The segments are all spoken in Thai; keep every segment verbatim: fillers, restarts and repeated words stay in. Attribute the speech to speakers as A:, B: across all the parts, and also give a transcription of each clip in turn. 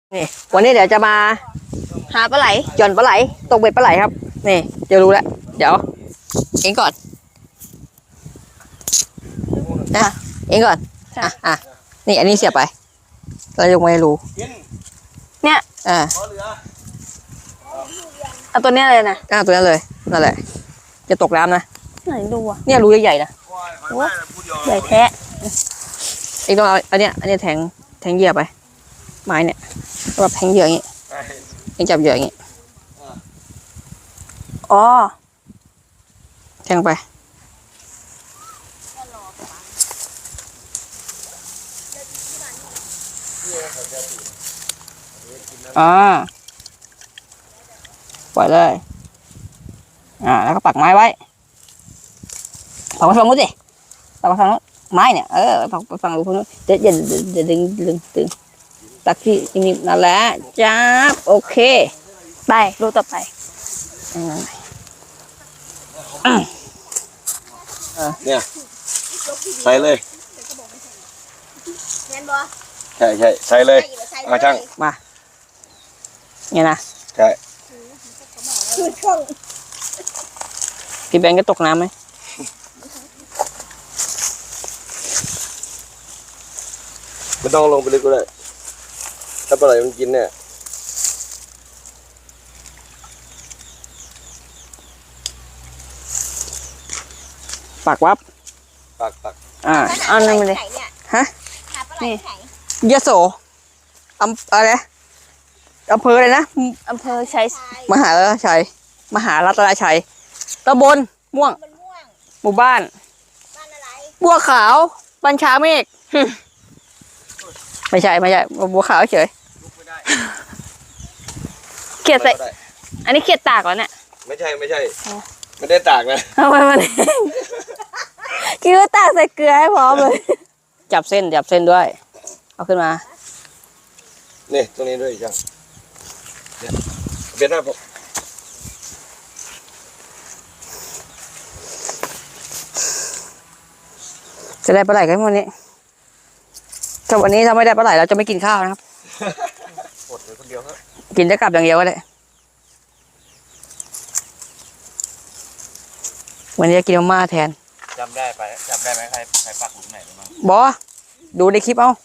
A: นี่วันนี้เดี๋ยวจะมาหาปลาไหลหย่อนปลาไหลตกเบ็ดปลาไหลครับนี่จะรู้แล้วเดี๋ยวเองก่อนนะเองก่อนอ่ะอ่ะนี่อันนี้เสียบไปเรายังไม่รู้เนี่ยอ่า
B: เอาตัวเนี้ยเลยนะ
A: อ่าตัวนั้นเลยนั่นแหละจะตกน้ำนะ
B: ไหนดูอ่ะ
A: เนี่ยรูใหญ่ๆนะ
B: ใหญ่แท้
A: เองต้องเอาอันเนี้ยอันเนี้ยแทงแทงเหยื่อไปไม้เนี่ยแบบแทงเหยื่ออย่างงี้เองจับเหยื่ออย่างงี้
B: อ๋อ
A: แทงไปอ่าปล่อยเลยอ่าแล้วก็ปักไม้ไว้ปักไว้ฝั่งนู้นสิปักไว้ฝั่งนู้นไม้เนี่ยเออปักไว้ฝั่งนู้นเดี๋ยวอย่าอย่าดึงดึงดึงตักที่นี่นั่นแหละจ้าโอเค
B: ไปรูต่อไป
C: เนี่ยใส่เลยใช่ใช่ใส่เลยมาช่าง
A: มาเนี่ยนะ
C: ใช่
A: พี่แบงค์ก็ตกน้ำไหม
C: ไม่ต้องลงไปลึกก็ได้ถ้าปลาไหลมันกินเนี่ย
A: ปักวับ
C: ปักปัก
A: อ่า
B: เอาหนึ่งเลย
A: ฮะ
B: นี่
A: ยโสอำอะไรอำเภออะไรนะ
B: อำเภอชัย
A: มหาชัยมหารัตนชัยตำบลม่วงหมู่บ้านบัวขาวบัญชาเมฆไม่ใช่ไม่ใช่บัวขาวเฉย
B: เขียดใส่อันนี้เขียดตากเหรอเนี่ย
C: ไม่ใช่ไม่ใช่ไม่ได้ตากนะ
B: ทำไมมันคิดว่าตากใส่เกลือให้พร้อมเลย
A: จับเส้นจับเส้นด้วยเอาขึ้นมา
C: นี่ตรงนี้ด้วยจังเบ็ดหน้าผม
A: จะได้ปลาไหลกันวันนี้ถ้าวันนี้ถ้าไม่ได้ปลาไหลเราจะไม่กินข้าวนะครับ
C: อดเลยคนเดียวครับ
A: กินจะกลับอย่างเดียวก็ได้วันนี้จะกินมาม่าแทน
C: จำได้ไปจำได้ไหมใครใครปักหลุมไหนบ้าง
A: บอดูในคลิปเอา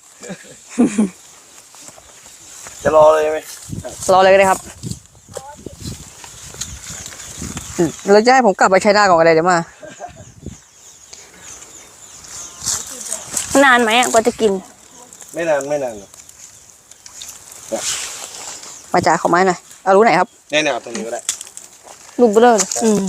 C: จะรอเลยไหม
A: รอเลยก็ได้ครับเราจะให้ผมกลับไปใช้หน้าก่อนอะไรเดี๋ยวม
B: านานไหมอ่ะกว่าจะกิน
C: ไม่นานไม่นาน
A: มาจ่ายขอไม้หน่อยเอารู้ไหนครับ
C: แน่แน่ตรงนี้ก็ได้
A: ลูกเบลอเลยอืม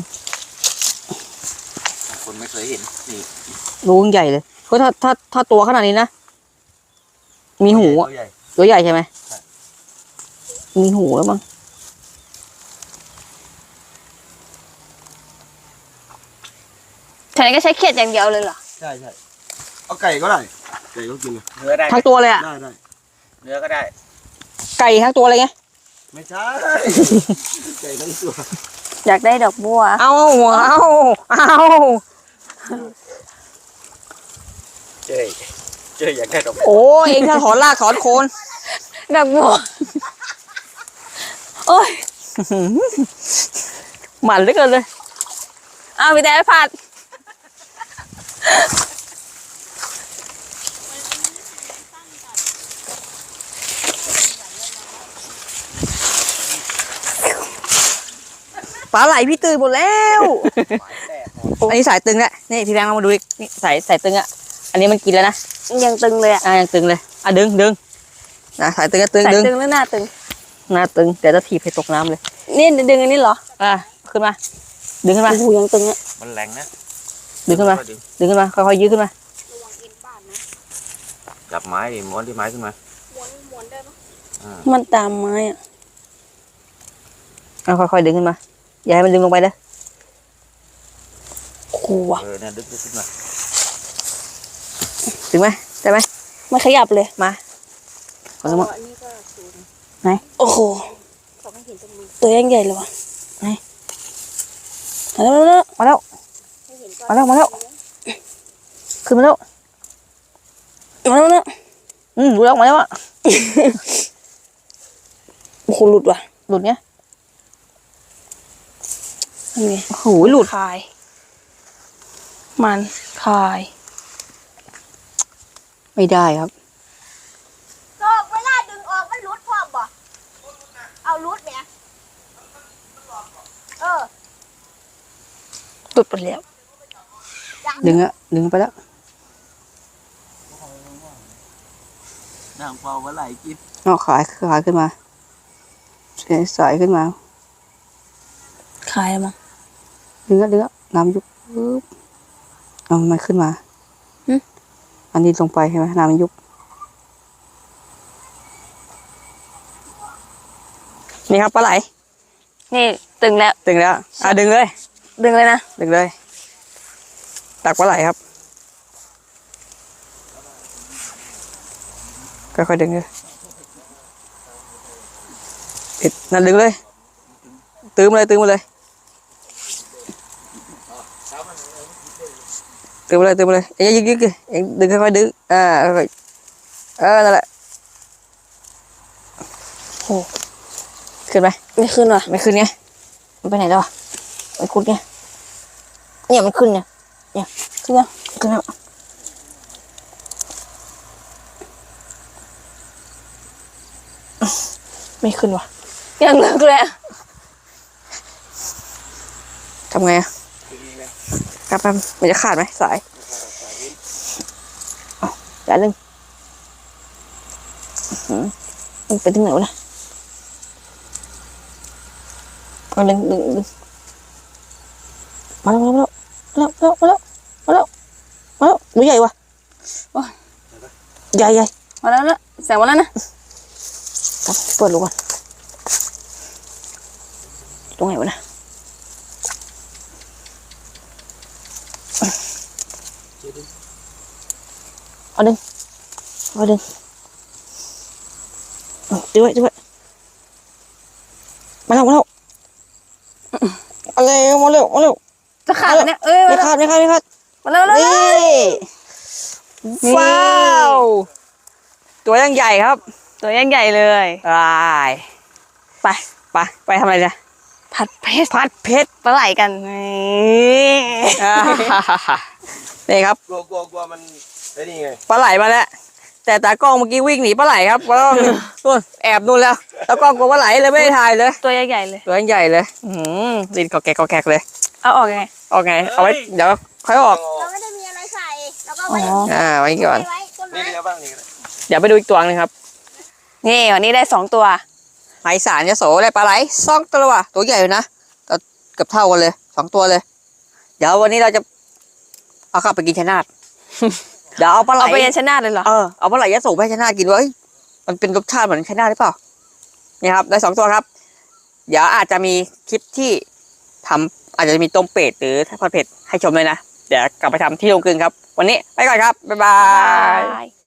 C: คนไม่เคยเห็นนี่
A: รู้ใหญ่เลยเพราะถ้าถ้าถ้าตัวขนาดนี้นะมีหูอ่ะตัวใหญ่ใช่ไหมมีหูแล้วมั้ง
B: ฉันก็ใช้เขียดอย่างเดียวเลยเหรอ
C: ใช่ใช่เอาไก่ก็ได้ไก่ก็กิน
A: เนื้อได้ทั้งตัวเลยอ่ะ
C: ได้ได้เนื้อก็ได้
A: ไก่ทั้งตัวเลยไง
C: ไม่ใช่ไก่ทั้งตัว
B: อยากได้ดอกบัว
A: เอาเอาเอา
C: เจ๊เจ๊อยากได้ดอก
A: โอ้เองถ้าถอนรากถอนโคน
B: ดอกบัวโอ้ย
A: หมันเหลือเกินเลย
B: เอาไปแต่ผัด
A: ปลาไหลพี่ตื่นหมดแล้วอันนี้สายตึงแหละนี่พี่แบงค์มาดูอีกนี่สายสายตึงอ่ะอันนี้มันกินแล้วนะ
B: ยังตึงเลยอ่ะ
A: ยังตึงเลยอ่ะดึงดึงนะสายตึงก็ตึง
B: ดึงสายตึงแล้วหน้าตึง
A: หน้าตึงแต่จะถีบให้ตกน้ำเลย
B: นี่ดึงอันนี้เหรอ
A: อ่ะขึ้นมาดึงขึ้นมา
B: โอ้ยังตึงอ่ะ
C: มันแรงนะ
A: ดึงขึ้นมาดึงขึ้นมาค่อยๆยืดขึ้นมา
C: จับไม้ดิม้วนที่ไม้ขึ้นมา
B: มันตามไม้อ่ะ
A: เอาค่อยๆดึงขึ้นมาอย่าให้มันดึงลงไปเลย
B: กลัว
C: เออเนี่ยดึงขึ้นมา
A: ถึงไหมได้ไหม
B: ไม่ขยับเลย
A: มาขอสมมติไหน
B: โอ้โหตัวยังใหญ่เลยวะ
A: ไหน
B: มาแล้ว
A: มาแล้วมาแล้วมาแล้วขึ้นมาแล้ว
B: มาแล้วมาแล้ว
A: อืมดูแล้วมาแล้วอ่ะ
B: โหหลุดว่ะ
A: หลุดเนี้ย
B: นี่ไง
A: โอ้โหหลุด
B: คาย มันคาย
A: ไม่ได้ครับ
D: ก็เวลาดึงออกมันรุดพร้อมบ่เอารุดเนี่ยเออ
B: หลุดไปแล้ว
A: ดึงอะดึงไปแล้ว
C: น้ำเปล่าว่าไหลกิน
A: เอาขายขายขึ้นมาสายขึ้นมา
B: คายแล้วมั้ง
A: ดึงอะดึงอะน้ำยุบปึ๊บเอามันขึ้นมา
B: หึ
A: อันนี้ลงไปใช่ไหมน้ำมันยุบนี่ครับปลาไหล
B: นี่ตึงแล้ว
A: ดึงแล้วอ่ะดึงเลย
B: ดึงเลยนะ
A: ดึงเลย ตักปลาไหลครับค่อยๆดึงเลยปิดนั่นดึงเลยตื้มเลยตื้มมาเลยตื้มมาเลยตื้มมาเลยเอ็งยึกยึกยึกเอ็งดึงค่อยๆดึงอ่าค่อยๆเออนั่นแหละโอ้ขึ้นไหม
B: ไม่ขึ้นว่ะ
A: ไม่ขึ้นไงมันไปไหนแล้วอ่ะมันคุดไงเนี่ยมันขึ้นเนี่ยเนี่ยขึ้นยังขึ้นแล้ว
B: ไม่ขึ้นว่ะยังเลิกเลยอะ
A: ทำไงอ่ะกลับไปมันจะขาดไหมสายเอาอย่าลึงอื้อหือมันไปถึงไหนวะเนี่ยเอาดึงดึงดึงมาแล้วมาแล้วมาแล้วมาแล้วมาแล้วมาแล้วตัวใหญ่ว่ะโอ้ยใหญ่ใหญ่
B: มาแล้วนะแสงมาแล้วนะ
A: ครับเปิดลูกก่อนตรงไหนวะนะเอาดึงเอาดึงเอาดึงไว้ดึงไว้มาแล้วมาแล้วมาเร็วมาเร็วมาเร็ว
B: จะขาดแล้วเนี่ยเอ้ย
A: ไม่
B: มาแล้ว
A: ขาดไม่ขาดไม่ขาด
B: มาแล้วมาแล้ว
A: นี่ว้าวตัวยังใหญ่ครับ
B: ตัวยังใหญ่เลย
A: ไปไปไปไปทำอะไรเนี่ย
B: ผัดเพชร
A: พัดเพชร
B: ปลาไหลกันนี่
A: อ่านี่ครับ
C: กลัวกลัวกลัวมันไอ้นี่ไง
A: ปลาไหลมาแล้ว แต่ตากล้องเมื่อกี้วิ่งหนีปลาไหลครับปลาล้องนู่นแอบนู่นแล้วตากล้องกลัวปลาไหลเลยไม่ได้ถ่ายเลย
B: ตัวใหญ่ๆเลย
A: ตัวใหญ่เลยอืมดินกอแกกกอแกกเลย
B: เอาออกยังไง
A: ออกไงเอาไว้เดี๋ยวค่อยออก
D: เราไม่ได้มีอะไรใส่แล้วก็
B: อ๋
D: ไว้
B: อ
A: อ่าไว้ก่อน
D: ไว้ต้น
C: นี่
D: ไม้
C: ก็บ้างนี่ก็ได้
A: เดี๋ยวไปดูอีกตัวหนึงครับ
B: นี่วันนี้ได้สองตัว
A: ไหสารยโสเลยปลาไหลสองตัวว่ะตัวใหญ่อยู่นะตัวเกือบเท่ากันเลยสองตัวเลย เดี๋ยววันนี้เราจะเอากลับไปกินชะนาด เดี๋ยวเอาปลาไหล
B: เอาไปยันชนะเลยเหรอ
A: เออเอาปลาไหลยโสไปให้ชะนาดกินไว้ยมันเป็นรสชาติเหมือนชะนาดหรือเปล่านี่ครับได้สองตัวครับ เดี๋ยวอาจจะมีคลิปที่ทำอาจจะมีต้มเป็ดหรือทอดเผ็ดให้ชมเลยนะเดี๋ยวกลับไปทำที่โรงกลึงครับ วันนี้ไปก่อนครับบ๊ายบาย
B: บาย